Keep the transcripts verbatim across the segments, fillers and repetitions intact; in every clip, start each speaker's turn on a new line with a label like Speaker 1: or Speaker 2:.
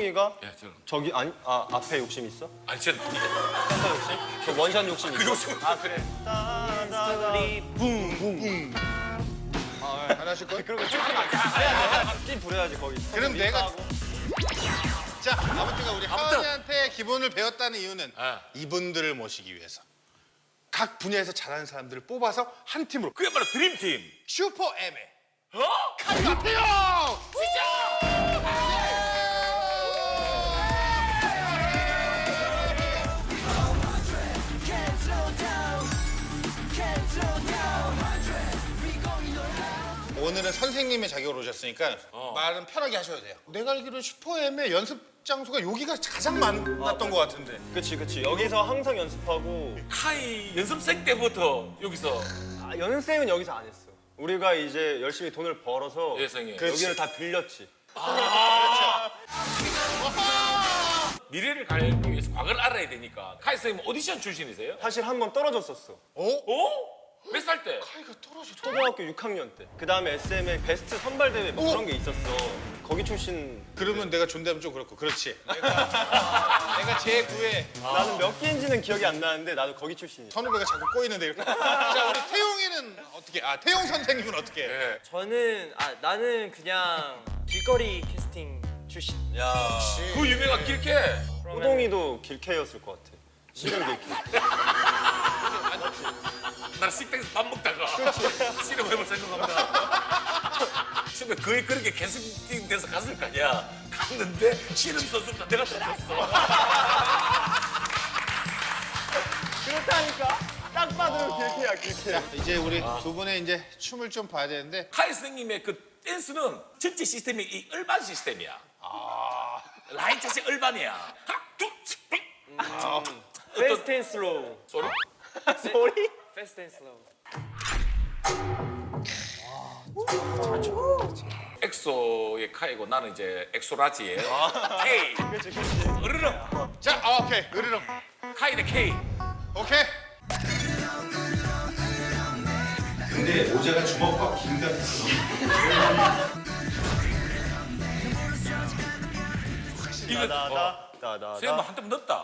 Speaker 1: 호동이가
Speaker 2: 예, 저는.
Speaker 1: 저기 아니 아 앞에 욕심 있어?
Speaker 2: 아니 저는
Speaker 1: 센터 욕심? 저 원샷 욕심
Speaker 2: 그
Speaker 1: 있어?
Speaker 2: 욕심.
Speaker 1: 아 그래. 스토리 붕붕.
Speaker 3: 안 하실 거예요?
Speaker 1: 그리고 좀 해야 돼. 찐 부려야지 거기.
Speaker 3: 그럼 내가
Speaker 1: 하고.
Speaker 3: 자 아무튼 우리
Speaker 2: 아무튼.
Speaker 3: 하은이한테 기본을 배웠다는 이유는
Speaker 2: 아.
Speaker 3: 이분들을 모시기 위해서 각 분야에서 잘하는 사람들을 뽑아서 한 팀으로
Speaker 2: 그야말로 드림팀.
Speaker 3: 슈퍼 M에
Speaker 2: 어?
Speaker 3: 칼 같아요. 오늘은 선생님의 자격으로 오셨으니까
Speaker 2: 어.
Speaker 3: 말은 편하게 하셔도 돼요. 내가 알기로는 슈퍼엠의 연습 장소가 여기가 가장 많았던 것 같은데.
Speaker 1: 그치 그치. 여기서 항상 연습하고
Speaker 2: 카이 연습생 때부터 여기서
Speaker 1: 아, 연습생은 여기서 안 했어. 우리가 이제 열심히 돈을 벌어서
Speaker 2: 예생에.
Speaker 1: 여기를 다 빌렸지.
Speaker 2: 미래를 가기 위해서 과거를 알아야 되니까. 카이 선생님 오디션 출신이세요?
Speaker 1: 사실 한 번 떨어졌었어.
Speaker 3: 어?
Speaker 2: 어? 몇 살 때?
Speaker 3: 카이가 떨어졌어.
Speaker 1: 초등학교 육 학년 때. 그 다음에 에스엠의 베스트 선발 대회 뭐
Speaker 3: 오!
Speaker 1: 그런 게 있었어. 거기 출신.
Speaker 3: 그러면 내가 존대하면 좀 그렇고 그렇지. 내가, 내가 제구에
Speaker 1: 나는 몇 개인지는 기억이 안 나는데 나도 거기 출신이야.
Speaker 3: 선후배가 자꾸 꼬이는데 이렇게. 자 우리 태용이는 어떻게? 아 태용 선생님은 어떻게?
Speaker 2: 예.
Speaker 4: 저는 아 나는 그냥 길거리 캐스팅 출신.
Speaker 1: 야.
Speaker 2: 그 유명한 길캐.
Speaker 1: 호동이도 길케였을 것 같아. 실은 길케.
Speaker 2: 나는 식당에서 밥 먹다가 씨름해볼 생각합니다. 근데 거의 그렇게 캐스팅 돼서 갔을 거 아니야. 갔는데 씨름 선수보다 내가 더 컸어.
Speaker 1: 그렇다니까. 딱 봐도 길케야 길케.
Speaker 3: 이제 우리 두 분의 이제 춤을 좀 봐야 되는데
Speaker 2: 카이 선생님의 그 댄스는 전체 시스템이 이 을반 시스템이야. 아. 라인 자체 을반이야. 하나, 둘, 셋, 넷.
Speaker 4: 패스트 앤 슬로우.
Speaker 2: 소리?
Speaker 1: 소리?
Speaker 4: 패스트 앤 슬로우.
Speaker 2: 엑소의 카이고 나는 이제 엑소라지의 K.
Speaker 1: 그렇지 그렇지.
Speaker 2: 으르렁.
Speaker 3: 자 아, 오케이 으르렁
Speaker 2: 카이의 K.
Speaker 3: 오케이. 근데 모자가 주먹과 긴 같았어.
Speaker 2: 이거 어.
Speaker 1: 나다 나다.
Speaker 2: 선생님 한템 넣었다.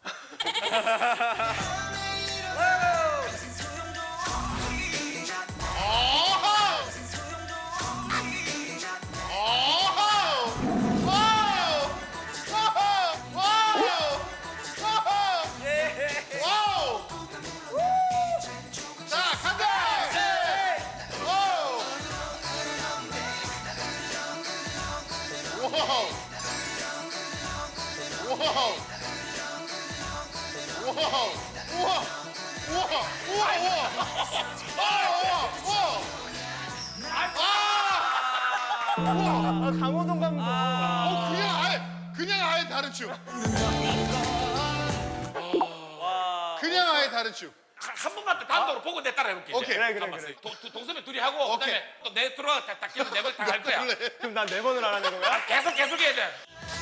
Speaker 1: 아 강호동 감독.
Speaker 3: 어, 그냥 아예 그냥 아예 다른 춤. 그냥 아예 다른 춤.
Speaker 2: 한 번만 더 단독으로 보고 내 따라 해볼게.
Speaker 3: 오케이.
Speaker 1: 그래 그래 그래.
Speaker 2: 동선배 둘이 하고
Speaker 3: 오케이.
Speaker 2: 그다음에 또 내 들어와 딱 끼면 내번 다할 거야.
Speaker 3: 그래.
Speaker 1: 그럼 난 네 번을 하라는 거야?
Speaker 2: 계속 계속 해야 돼.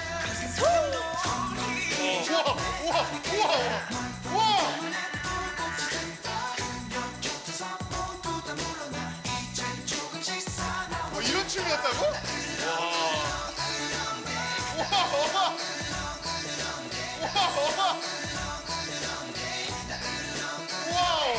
Speaker 3: 우와 우와 우와 우와. 뭐 이런 춤이었다고? 와. 우와 우와. 우와 우와. 와우.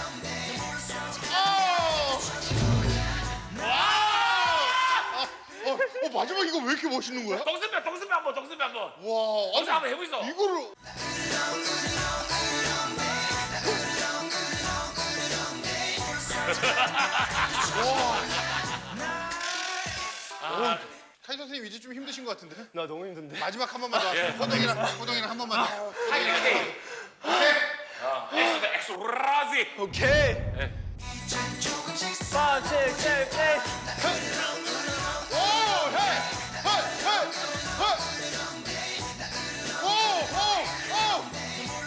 Speaker 3: 아우. 아, 어, 어 마지막 이거 왜 이렇게 멋있는 거야?
Speaker 2: 동선배 동선배 한번 동선배 한번.
Speaker 3: 와,
Speaker 2: 동선 한번 해보이소.
Speaker 3: 이거를 와. 카이 선생님 이제 좀 힘드신 것 같은데?
Speaker 1: 나 너무 힘든데.
Speaker 3: 마지막 한 번만 더. 호동이랑 호동이랑 한 번만 더.
Speaker 2: 카이랑 K.
Speaker 3: 오케이.
Speaker 2: 엑소다 엑소라지.
Speaker 1: 오케이.
Speaker 2: 네.
Speaker 1: 파, 칠, 칠, 팔.
Speaker 3: 오, 헤이, 헤이, 헤이, 헤이. 오, 오, 오.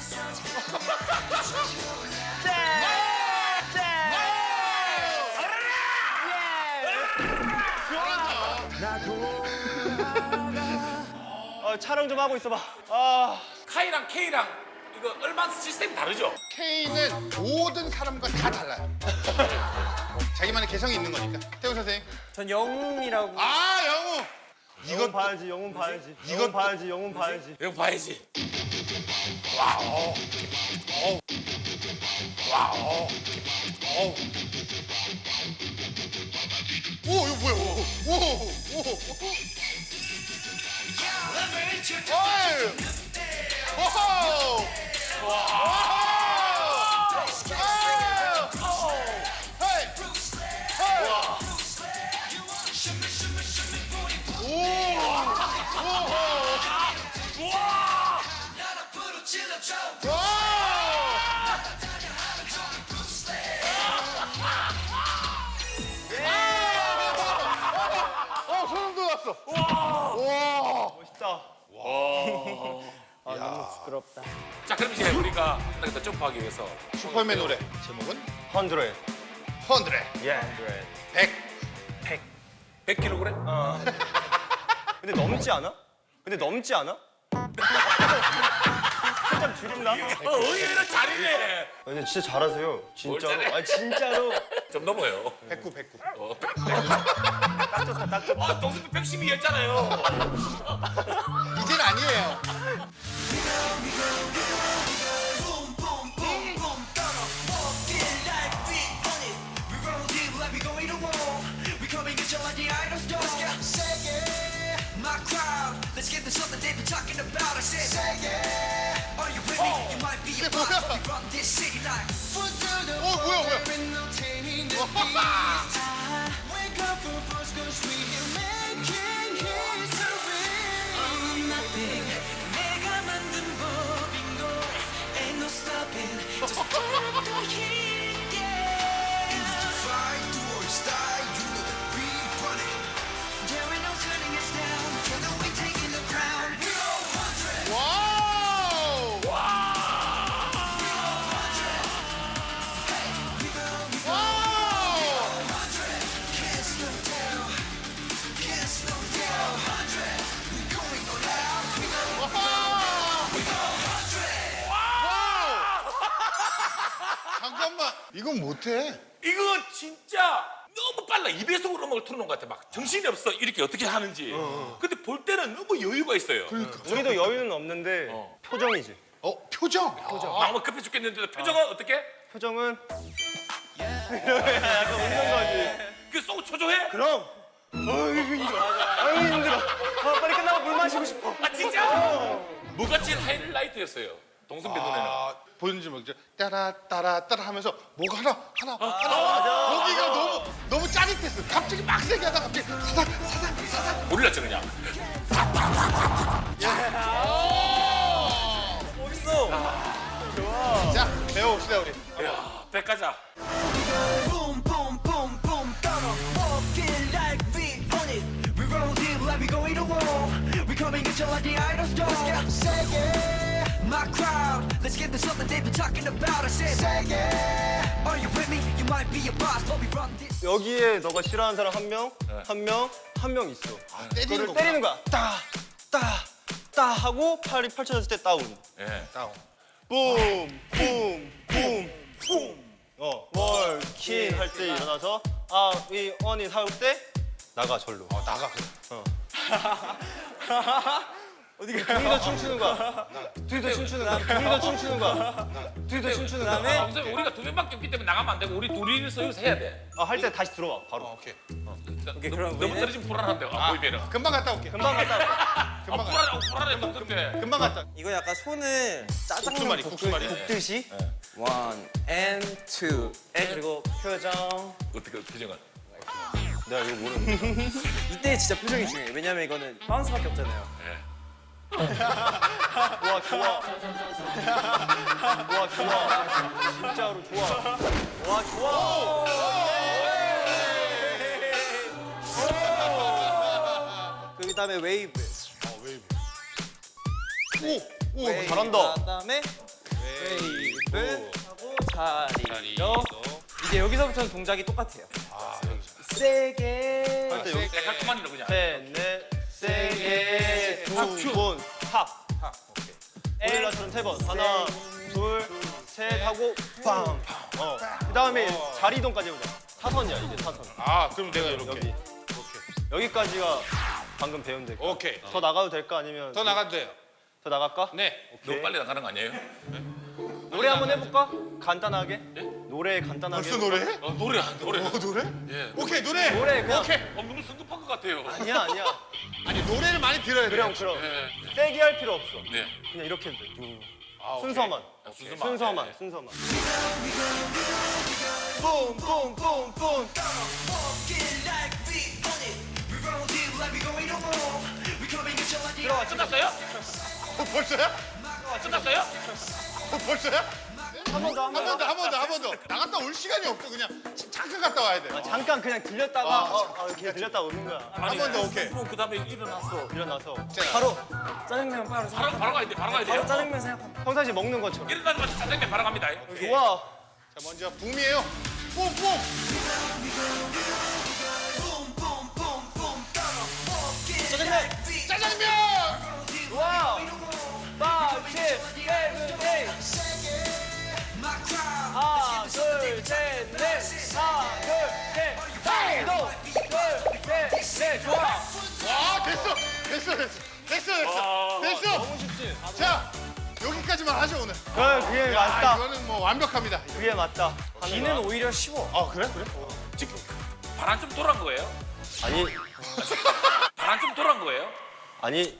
Speaker 1: 어, 촬영 좀 하고 있어봐. 아.
Speaker 2: 카이랑 K랑 이거 얼마 시스템이 다르죠?
Speaker 3: K는 모든 사람과 다 달라요. 자기만의 개성이 있는 거니까. 태우 선생님.
Speaker 4: 전 영웅이라고.
Speaker 3: 아, 영우.
Speaker 1: 영혼 봐야지, 영혼 봐야지.
Speaker 3: 이것도-
Speaker 1: 영혼 봐야지, 영혼 봐야지.
Speaker 2: 이거 봐야지. 와우.
Speaker 3: 어우. 와우. 어우. 오, 이거 뭐야? 오, 오, 오. 어이. 오호. 와우. 헤이. 헤이. 오. 와! 어, 소름 돋았어. 와!
Speaker 1: 멋있다.
Speaker 4: 아 너무 부끄럽다.
Speaker 2: 자, 그럼 이제 우리가 한 단계 더 점프하기 위해서
Speaker 3: 슈퍼맨 노래 제목은
Speaker 1: 헌드레.
Speaker 3: 헌드레.
Speaker 1: 예.
Speaker 3: 백.
Speaker 2: 백 킬로그램?
Speaker 1: 근데 넘지 않아? 근데 넘지 않아? 살짝 줄인다?
Speaker 2: 어, 의외로 잘이네.
Speaker 1: 근데 진짜 잘하세요. 진짜로.
Speaker 2: 잘해?
Speaker 1: 아 진짜로.
Speaker 2: 좀 넘어요.
Speaker 3: 백구, 백구.
Speaker 2: 어.
Speaker 1: 딱 좋다, 딱 좋다.
Speaker 2: 아, 동생도 백십이였잖아요.
Speaker 3: 이젠 아니에요.
Speaker 5: Let's get this something they've been talking about. I said, say yeah. Are you with me? You might be a boss, but we run this city like foot to the
Speaker 3: 어, 뭐야, 뭐야?
Speaker 5: no taming the beast. Wake up for first, cause we are making history. I'm nothing. 내가 만든 법인 걸. Ain't no stopping. Just turn up the heat, yeah. If you fight, do or die, you know that we run it. There ain't no turning us down. Together we taking the crown. We go hundred.
Speaker 3: 와우! 와우!
Speaker 5: Can't slow down. Can't slow down. Hundred. We going all out. We go. We go hundred.
Speaker 3: 와우! 잠깐만, 이건 못해.
Speaker 2: 이거 진짜 너무 빨라. 이 배속으로 음악을 틀어놓은 것 같아. 막 정신이 없어. 이렇게 어떻게 하는지. 근데 볼 때는 너무 여유가 있어요.
Speaker 1: 우리도 여유는 없는데
Speaker 2: 어.
Speaker 1: 표정이지.
Speaker 3: 어, 표정.
Speaker 2: 마음은 급해 죽겠는데 표정은 어떻게?
Speaker 1: 표정은 약간 웃는 거지.
Speaker 2: 그 쏘고 초조해?
Speaker 1: 그럼. 어이구 힘들어. 아유 힘들어. 아, 빨리 끝나고 물 마시고 싶어.
Speaker 2: 아 진짜? 뭐가 제일 하이라이트였어요? 동선배 눈에는.
Speaker 3: 아, 보는지 모르죠. 따라 따라 따라 하면서 뭐가 하나 하나 하나. 거기가 너무 너무 짜릿했어. 갑자기 막 세게 하다 갑자기 사삭 사삭 사삭.
Speaker 2: 몰랐죠 그냥.
Speaker 4: 멋있어.
Speaker 3: 자, 배워봅시다 우리.
Speaker 2: 야, 백 가자.
Speaker 5: Boom, boom, boom, boom. Gonna walk it like we own it. We roll deep like we going to war. We coming in like the idol star. Say yeah, my crowd. Let's get this something they've been talking about. I said, say yeah. Are you with me? You might be a boss, but we run this.
Speaker 1: 여기에 너가 싫어하는 사람 한 명, 한 명, 한 명 있어.
Speaker 3: 때리는
Speaker 1: 그거를
Speaker 3: 거.
Speaker 1: 때리는 거야. 따, 따, 따 하고 팔이 펼쳐졌을 때 다운.
Speaker 2: 예.
Speaker 3: 다운.
Speaker 1: 붐, 붐, 붐, 붐. 어, 월킹 할 때 일어나서 아, 위 언이 할 때 나가 절로.
Speaker 3: 어, 나가.
Speaker 1: 어디가? 둘이서 춤추는 거야. 둘이서 춤추는 거야. 둘이서 춤추는 거야. 둘이서 춤추는 거야.
Speaker 2: 아, 선생님, 우리가 두 명밖에 없기 때문에 나가면 안 되고 우리 둘이서 여기서 해야 돼.
Speaker 1: 아, 할 때 다시 들어와 바로.
Speaker 3: 어, 오케이.
Speaker 2: 오케이,
Speaker 4: 그럼
Speaker 2: 너무
Speaker 4: 우리는-
Speaker 2: 떨어지면 불안한데. 아, 보이면은.
Speaker 3: 금방 갔다 올게.
Speaker 1: 금방 갔다 올게.
Speaker 2: 아,
Speaker 3: 금방 갔다.
Speaker 2: 불안해, 불안해, 동선배.
Speaker 3: 금방 갔다.
Speaker 4: 이거 약간 손을 짜장면
Speaker 3: 국수말이,
Speaker 4: 볶-
Speaker 3: 국수말이.
Speaker 4: 볶듯이 one and two and 그리고 표정.
Speaker 2: 어떻게 표정은?
Speaker 1: 내가 이거 모르는.
Speaker 4: 이때 진짜 표정이 중요해. 왜냐면 이거는 바운스밖에 없잖아요.
Speaker 2: 예.
Speaker 1: 와 좋아. 와 좋아. 진짜로 좋아. 와 좋아.
Speaker 4: 그 다음에 웨이브.
Speaker 3: 어, 웨이브. 오, 오,
Speaker 4: 웨이브.
Speaker 3: 잘한다.
Speaker 4: 그다음에 웨이브 하고 자리.
Speaker 3: 자리로.
Speaker 4: 이제 여기서부터는 동작이 똑같아요.
Speaker 3: 아, 여기서.
Speaker 4: 세게.
Speaker 1: 할 때 여기
Speaker 2: 내 깔끔한이로 그냥.
Speaker 1: 셋, 넷, 세게 두 번, 탑.
Speaker 3: 탑. 오케이.
Speaker 1: 오릴라처럼 세 번. 하나, 둘, 셋 하고 빵. 어. 그다음에 자리 이동까지 해보자. 사선이야 이제 사선.
Speaker 3: 아, 그럼 내가 이렇게.
Speaker 1: 여기.
Speaker 3: 이렇게.
Speaker 1: 여기까지가 방금 배운 데.
Speaker 3: 오케이.
Speaker 1: 더 나가도 될까 아니면
Speaker 3: 더 나가도 돼요.
Speaker 1: 더 나갈까?
Speaker 3: 네.
Speaker 2: 너무 빨리 나가는 거 아니에요?
Speaker 1: 노래 한번 해볼까? 간단하게. 노래 간단하게.
Speaker 3: 벌써
Speaker 1: 해볼까?
Speaker 3: 노래?
Speaker 2: 어, 노래 안 노래.
Speaker 3: 어, 노래?
Speaker 2: 예.
Speaker 3: 오케이, 노래.
Speaker 1: 노래 그냥.
Speaker 3: 오케이.
Speaker 2: 어, 너무 성급한 것 같아요.
Speaker 1: 아니야 아니야.
Speaker 3: 아니, 노래를 많이 들어야 돼요.
Speaker 1: 그럼 그럼.
Speaker 2: 예.
Speaker 1: 세게 할 필요 없어.
Speaker 2: 네.
Speaker 1: 그냥 이렇게 해도 돼. 두.
Speaker 3: 아, 오케이.
Speaker 1: 순서만.
Speaker 2: 아, 순서만.
Speaker 1: 순서만.
Speaker 2: 예, 예.
Speaker 1: 순서만. 뿜뿜뿜뿜.
Speaker 2: 들어가. 끝났어요?
Speaker 3: 어, 벌써요?
Speaker 2: 끝났어요?
Speaker 3: 어, 벌써요?
Speaker 1: 한 번 더.
Speaker 3: 한 번 더, 한 번 더, 한 번 더. 나갔다 올 시간이 없어. 그냥 잠깐 갔다 와야 돼.
Speaker 1: 잠깐 그냥 들렸다가
Speaker 3: 아,
Speaker 1: 어, 어, 그냥 들렸다가 오는 거야.
Speaker 3: 한 번 더, 오케이.
Speaker 2: 그럼 그다음에 일어났어.
Speaker 1: 일어나서
Speaker 4: 바로 짜장면 바로 생각.
Speaker 2: 바로 바로 가야 돼. 바로 가야
Speaker 4: 바로
Speaker 2: 돼요.
Speaker 4: 짜장면 생각합니다.
Speaker 1: 평상시 먹는 것처럼.
Speaker 2: 일어나자마자 짜장면 바로 갑니다.
Speaker 1: 좋아.
Speaker 3: 자, 먼저 붐이에요. 뿜뿜.
Speaker 1: 짜장면.
Speaker 3: 짜장면.
Speaker 1: 좋아. five, six, seven, eight. 하나, 둘, 셋, 넷. 하나, 둘, 셋. 하나, 둘, 셋, 넷. 좋아.
Speaker 3: 와, 됐어. 됐어, 됐어. 됐어, 됐어. 됐어.
Speaker 1: 너무 쉽지?
Speaker 3: 자, 여기까지만 하죠, 오늘.
Speaker 1: 그래, 그게
Speaker 3: 아,
Speaker 1: 맞다.
Speaker 3: 이거는 뭐 완벽합니다.
Speaker 1: 그게 맞다.
Speaker 4: 비는 오히려 쉬워.
Speaker 3: 아, 그래? 그래?
Speaker 2: 지금 바람 좀 돌아온 거예요?
Speaker 1: 아니,
Speaker 2: 바람 좀 돌아온 거예요?
Speaker 1: 아니,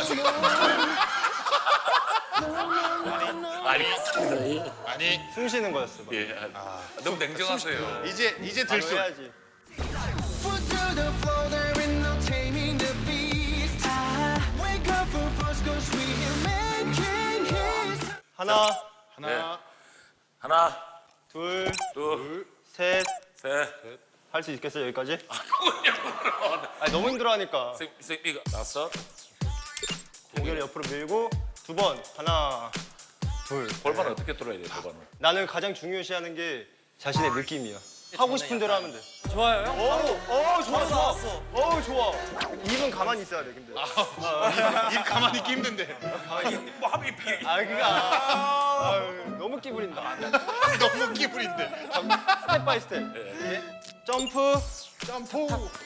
Speaker 2: 알겠습니다.
Speaker 3: 아니,
Speaker 1: 숨 쉬는 거였어. 막.
Speaker 2: 예. 아, 너무 냉정하세요.
Speaker 3: 이제 이제
Speaker 1: 바로
Speaker 3: 들숨.
Speaker 1: 해야지.
Speaker 5: Foot to the floor, there ain't no taming the beast. I wake up for first go sweet and making his.
Speaker 1: 하나,
Speaker 3: 하나,
Speaker 2: 하나,
Speaker 1: 둘,
Speaker 2: 둘,
Speaker 1: 셋.
Speaker 2: 셋.
Speaker 1: 할 수 있겠어, 여기까지?
Speaker 2: 그럼요.
Speaker 1: 아니, 너무 힘들어하니까.
Speaker 2: 쌤, 쌤, 이거 다섯.
Speaker 1: 고개를 옆으로 밀고 두 번. 하나, 둘.
Speaker 2: 골반을 어떻게 돌아야 돼요, 골반을?
Speaker 1: 나는 가장 중요시하는 게 자신의 느낌이야. 하고 싶은 대로 하면 돼.
Speaker 4: 좋아요. 형?
Speaker 1: 어, 어, 좋아,
Speaker 4: 바로
Speaker 1: 좋아.
Speaker 4: 나왔어.
Speaker 1: 어, 좋아. 입은 가만히 있어야 돼, 근데.
Speaker 3: 입 가만히 있기 힘든데.
Speaker 2: 뭐 하면 이 비.
Speaker 1: 아, 그니까. 아유, 너무 끼부린다.
Speaker 3: 너무 기분인데.
Speaker 1: 스텝 바이 스텝. 예. 점프,
Speaker 3: 점프,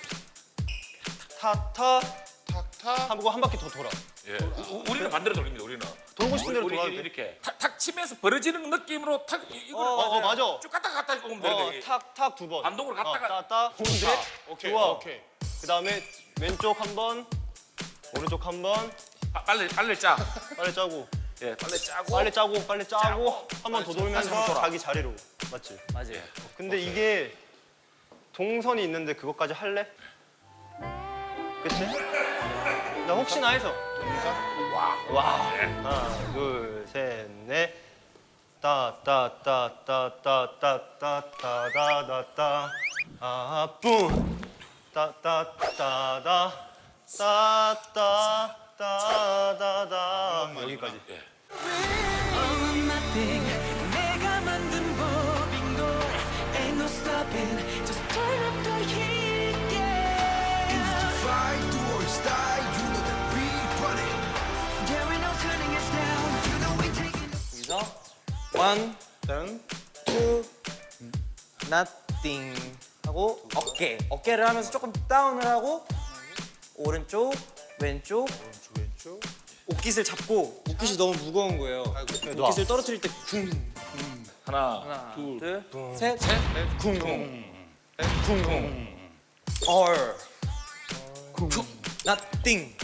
Speaker 1: 타타,
Speaker 3: 탁탁.
Speaker 1: 하고 한 바퀴 더 돌아.
Speaker 2: 예. 우- 우리는 반대로 돌립니다. 우리는.
Speaker 1: 돌고 싶은 대로
Speaker 2: 우리
Speaker 1: 돌아도 돼.
Speaker 2: 이렇게 탁, 탁 치면서 벌어지는 느낌으로 탁 이- 이걸
Speaker 1: 어, 어, 맞아.
Speaker 2: 쭉 갔다 갔다 오면
Speaker 1: 어,
Speaker 2: 되는데.
Speaker 1: 탁, 탁 두 번.
Speaker 2: 반동으로 갔다가-
Speaker 1: 어, 따따, 근데
Speaker 3: 오케이,
Speaker 1: 좋아.
Speaker 3: 오케이.
Speaker 1: 그 다음에 왼쪽 한 번, 오른쪽 한 번,
Speaker 2: 아, 빨리 빨리 짜.
Speaker 1: 빨리 짜고,
Speaker 2: 예, 빨리 짜고.
Speaker 1: 빨리 짜고, 빨리 짜고, 한 번 더 돌면서 자기 자리로. 맞지?
Speaker 4: 맞아요.
Speaker 1: 근데 이게 동선이 있는데 그것까지 할래? 그치? 나 혹시나 해서. 와. 와. 하나, 둘, 셋, 넷. 따, 따, 따, 따, 따, 따, 따, 따, 다, 다, 따. 아, 뿜. 따, 따, 따, 다. 따, 따, 따, 다, 다. 여기까지.
Speaker 5: I'm nothing. 내가 만든 법인 걸. Ain't no stopping. Just turn up the heat, yeah.
Speaker 6: In the fight towards die, you know that we run it.
Speaker 5: There ain't no turning us down. You know we taking it.
Speaker 4: 여기서 one,
Speaker 1: 짠.
Speaker 4: two, nothing 하고 어깨. 어깨를 하면서 조금 다운을 하고 오른쪽, 왼쪽,
Speaker 3: 왼쪽.
Speaker 4: 옷깃을 잡고 옷깃이 너무 무거운 거예요. 옷깃을 떨어뜨릴 때 쿵.
Speaker 2: 하나,
Speaker 4: 하나,
Speaker 2: 둘,
Speaker 4: 둘, 셋, 넷, 쿵, 쿵, 쿵, 얼, 쿵, nothing.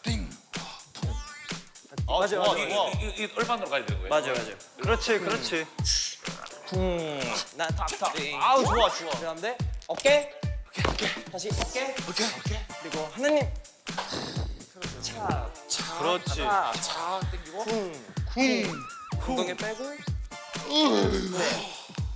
Speaker 1: 아,
Speaker 4: 맞아,
Speaker 1: 좋아,
Speaker 4: 맞아.
Speaker 1: 좋아.
Speaker 2: 이, 이, 이 얼반으로 가야 되는 거예요?
Speaker 4: 맞아요, 맞아요.
Speaker 1: 그렇지, 그렇지.
Speaker 4: 쿵, nothing.
Speaker 1: 아우, 좋아, 좋아.
Speaker 4: 그다음에 어깨, 어깨, 다시 어깨,
Speaker 3: 오케이, 오케이.
Speaker 4: 그리고 하나님. 차,
Speaker 1: 그렇지.
Speaker 4: 차,
Speaker 2: 자, 땡기고.
Speaker 4: 쿵,
Speaker 3: 쿵.
Speaker 4: 엉덩이 빼고. 네.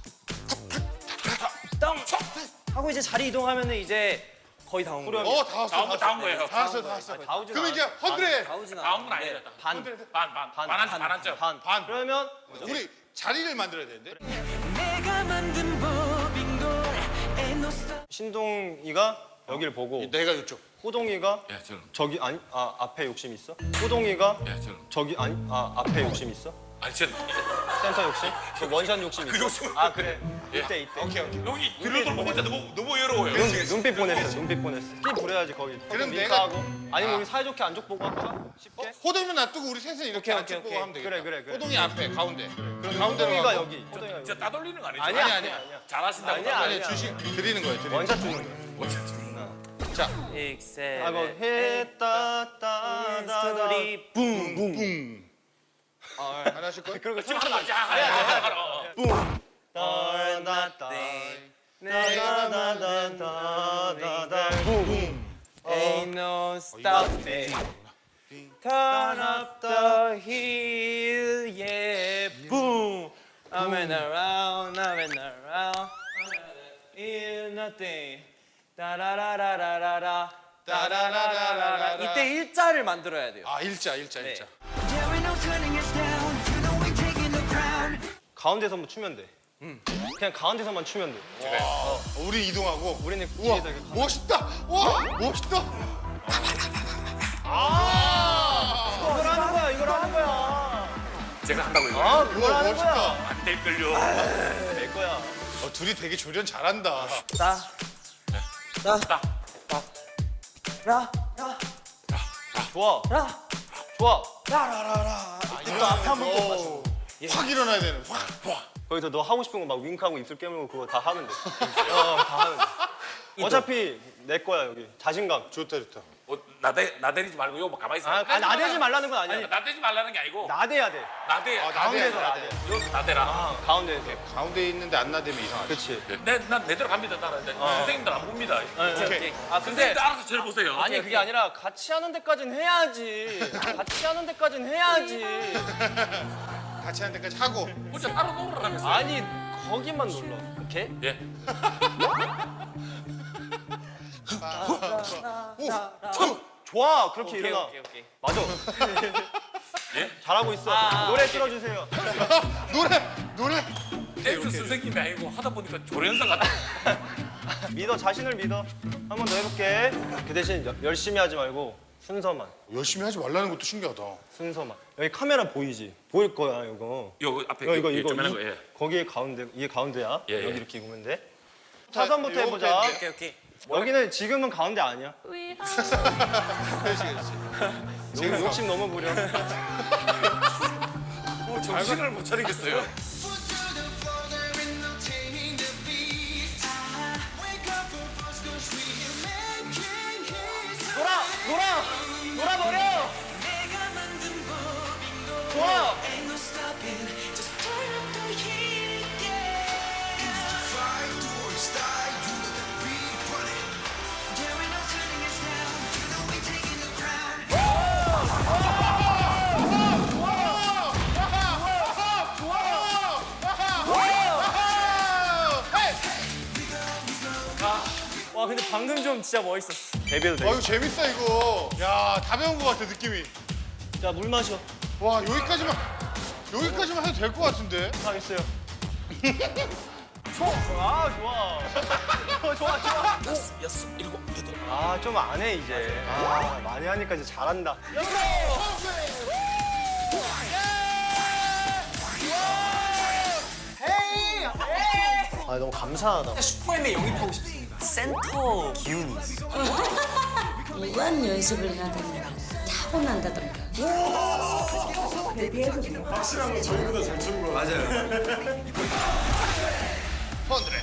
Speaker 4: 땅, 하고 이제 자리 이동하면은 이제 거의 다 온 거예요.
Speaker 3: 어, 다 왔어.
Speaker 2: 다운 거, 다운 거예요.
Speaker 3: 다 왔어, 다 왔어.
Speaker 1: 다 오진
Speaker 3: 그럼 이제
Speaker 1: 않아.
Speaker 3: 헌드레.
Speaker 4: 다 오진
Speaker 2: 다운 건
Speaker 4: 않았는데
Speaker 2: 아니에요.
Speaker 1: 반.
Speaker 2: 반, 반, 반, 반, 반, 반, 반,
Speaker 1: 반.
Speaker 3: 반.
Speaker 1: 그러면
Speaker 3: 우리 자리를 만들어야 되는데.
Speaker 5: 내가 만든 법인 걸. Ain't no stopping.
Speaker 1: 신동이가 여길 보고
Speaker 3: 내가 이쪽.
Speaker 1: 호동이가
Speaker 2: 예, 저는.
Speaker 1: 저기 아니 아 앞에 욕심 있어? 호동이가
Speaker 2: 예, 저는.
Speaker 1: 저기 아니 아 앞에 욕심 있어?
Speaker 2: 아니 전
Speaker 1: 센터 욕심? 그 원샷 욕심
Speaker 2: 그
Speaker 1: 있어?
Speaker 2: 욕심은
Speaker 1: 아 그래.
Speaker 2: 예.
Speaker 1: 이때 이때.
Speaker 3: 오케이 오케이.
Speaker 2: 여기 들여다보고 혼자 너무 너무 외로워요.
Speaker 1: 눈, 눈빛 보냈어. 눈빛 보냈어. 끼 부려야지 거기.
Speaker 3: 그럼
Speaker 1: 링크
Speaker 3: 내가-
Speaker 1: 하고. 아니면 우리 사이좋게 안쪽 보고 할까? 쉽게?
Speaker 3: 호동이만 놔두고 우리 셋은 이렇게
Speaker 1: 오케이,
Speaker 3: 안쪽
Speaker 1: 오케이,
Speaker 3: 보고
Speaker 1: 오케이.
Speaker 3: 하면 되겠다.
Speaker 1: 그래, 그래, 그래.
Speaker 3: 호동이 앞에 가운데. 그럼 가운데로
Speaker 1: 호동이가
Speaker 3: 가고.
Speaker 1: 여기. 호동이가 여기.
Speaker 2: 진짜 따돌리는 거 아니죠?
Speaker 1: 아니야
Speaker 3: 아니야,
Speaker 1: 아니야
Speaker 3: 아니야.
Speaker 1: 아니야.
Speaker 2: 잘하신다고.
Speaker 1: 아니야,
Speaker 2: 따돌리는
Speaker 3: 아니
Speaker 1: 아니야.
Speaker 3: 주식 드리는 거예요. 드리는
Speaker 1: 원샷 주는 거야.
Speaker 2: 거. 원샷 주는 거.
Speaker 3: 거. 자,
Speaker 4: 육, 셋,
Speaker 1: 아, 뭐
Speaker 4: 넷,
Speaker 1: 해따따다다.
Speaker 4: 스토리 붕붕.
Speaker 3: 뿡. 아, 안 하실 거예요?
Speaker 1: 그리고
Speaker 2: 지금 하나 하자. 하나 하자.
Speaker 4: Or
Speaker 1: 따다다.
Speaker 4: nothing.
Speaker 1: 따다다다다다. 붐.
Speaker 4: Ain't no stopping. Turn up the hill, yeah, boom. I'm in around, I'm in around. Feel nothing. 따라라라라라라. 따라라라라라. 이때 일자를 만들어야 돼요.
Speaker 3: 아, 일자, 일자, 일자.
Speaker 5: There ain't no turning us down. You know we're taking the crown.
Speaker 1: 가운데서만 추면 돼. 그냥 가운데서만 추면 돼.
Speaker 3: 어, 우리 이동하고.
Speaker 1: 우리는
Speaker 3: 우와,
Speaker 1: 뒤에서 이렇게 가-
Speaker 3: 멋있다. 와, 멋있다.
Speaker 1: 이걸 하는 거야. 이걸 하는 거야.
Speaker 2: 제가 한다고 이거.
Speaker 1: 아, 그걸
Speaker 3: 우와,
Speaker 1: 하는
Speaker 3: 멋있다.
Speaker 1: 거야.
Speaker 2: 안 될걸요.
Speaker 1: 될 거야.
Speaker 3: 어, 둘이 되게 조련 잘한다.
Speaker 4: 따, 따,
Speaker 2: 딱.
Speaker 4: 라, 라,
Speaker 1: 좋아.
Speaker 4: 라,
Speaker 1: 좋아.
Speaker 4: 라라라라.
Speaker 3: 이거 앞에 한번 더 맞춰. 확 일어나야 되는. 확.
Speaker 1: 거기서 너 하고 싶은 거 막 윙크하고 입술 깨물고 그거 다 하면 돼. 어, 다 하면 돼. 어차피 내 거야 여기. 자신감.
Speaker 3: 좋다, 좋다.
Speaker 2: 어, 나대 나대리지 말고 요뭐 가만히 있어.
Speaker 1: 아, 아 나대지 말라는 건 아니야.
Speaker 2: 나대지 말라는 게 아니고
Speaker 1: 나대야 돼.
Speaker 2: 나대.
Speaker 3: 아,
Speaker 1: 가운데서
Speaker 3: 나대,
Speaker 1: 나대.
Speaker 2: 여기서 나대라.
Speaker 1: 아, 가운데에서.
Speaker 3: 가운데 있는데 안 나대면 이상하지.
Speaker 1: 그렇지.
Speaker 2: 내난 내대로 갑니다. 나는 선생님들 안 봅니다.
Speaker 3: 오케이.
Speaker 1: 아 근데
Speaker 2: 선생님들 알아서 저를 보세요.
Speaker 1: 아니 그게 아니라 같이 하는 데까진 해야지. 같이 하는 데까진 해야지.
Speaker 3: 같이 하는 데까지 하고.
Speaker 2: 혼자 따로 놀으라면서.
Speaker 1: 아니 거기만 눌러. 이렇게?
Speaker 2: 예.
Speaker 1: 좋아. 그렇게
Speaker 4: 오케이,
Speaker 1: 일어나.
Speaker 4: 오케이, 오케이.
Speaker 1: 맞아.
Speaker 2: 예?
Speaker 1: 잘하고 있어.
Speaker 4: 아,
Speaker 1: 노래 틀어주세요.
Speaker 3: 노래, 노래.
Speaker 2: 댄스 선생님이 아니고 하다 보니까 조련사 같아.
Speaker 1: 믿어. 자신을 믿어. 한 번 더 해볼게. 그 대신 여- 열심히 하지 말고 순서만.
Speaker 3: 열심히 하지 말라는 것도 신기하다.
Speaker 1: 순서만. 여기 카메라 보이지? 보일 거야 이거.
Speaker 2: 요 앞에
Speaker 1: 이거 이거
Speaker 2: 이-
Speaker 1: 이거.
Speaker 2: 조그만한
Speaker 1: 이-
Speaker 2: 거, 예.
Speaker 1: 거기에 가운데 이게 가운데야.
Speaker 2: 예, 예.
Speaker 1: 여기 이렇게 보면 돼. 차선부터
Speaker 3: 요거
Speaker 1: 해보자.
Speaker 3: 밴드.
Speaker 4: 오케이, 오케이.
Speaker 1: 여기는 지금은 가운데 아니야.
Speaker 3: 그렇지, 그렇지.
Speaker 1: 지금 욕심 너무 부려.
Speaker 2: 어, 정신을 못 차리겠어요.
Speaker 5: Foot to the floor, there ain't no taming the beast. Wake up for first, 'cause we are making history.
Speaker 1: 놀아, 놀아, 놀아버려.
Speaker 5: 내가 만든 법인 걸.
Speaker 1: 좋아.
Speaker 5: Ain't no stopping. Just turn up the heat, yeah.
Speaker 6: Fight or die, you know that we run it.
Speaker 5: There ain't no turning us down. You know we're taking the crown.
Speaker 4: 와, 근데 방금 좀 진짜 멋있었어.
Speaker 1: 데뷔도 돼.
Speaker 3: 아, 이거 재밌다, 이거. 야, 다 배운 것 같아, 느낌이.
Speaker 1: 자, 물 마셔.
Speaker 3: 와, 여기까지만, 여기까지만 해도 될 것 같은데?
Speaker 1: 하겠어요. 좋아, 아 좋아. 어, 좋아, 좋아.
Speaker 2: 다섯, 여섯, 일곱, 여덟.
Speaker 1: 아, 좀 안 해 이제. 아, 많이 하니까 이제 잘한다. 아, 너무 감사하다.
Speaker 4: 슈퍼엠에 영입하고 싶습니다. 센터 기운이 있어.
Speaker 7: 무한 연습을 하던가 타고난다던가
Speaker 3: 펀드레.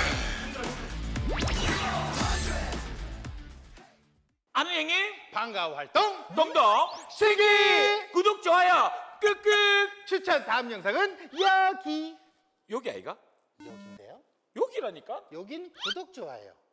Speaker 2: 아는 형님
Speaker 3: 방과 활동.
Speaker 2: 동동 세기 구독 좋아요 끄끄.
Speaker 3: 추천 다음 영상은 여기.
Speaker 2: 여기 아이가?
Speaker 3: 여기인데요?
Speaker 2: 여기라니까?
Speaker 3: 여긴 구독 좋아요.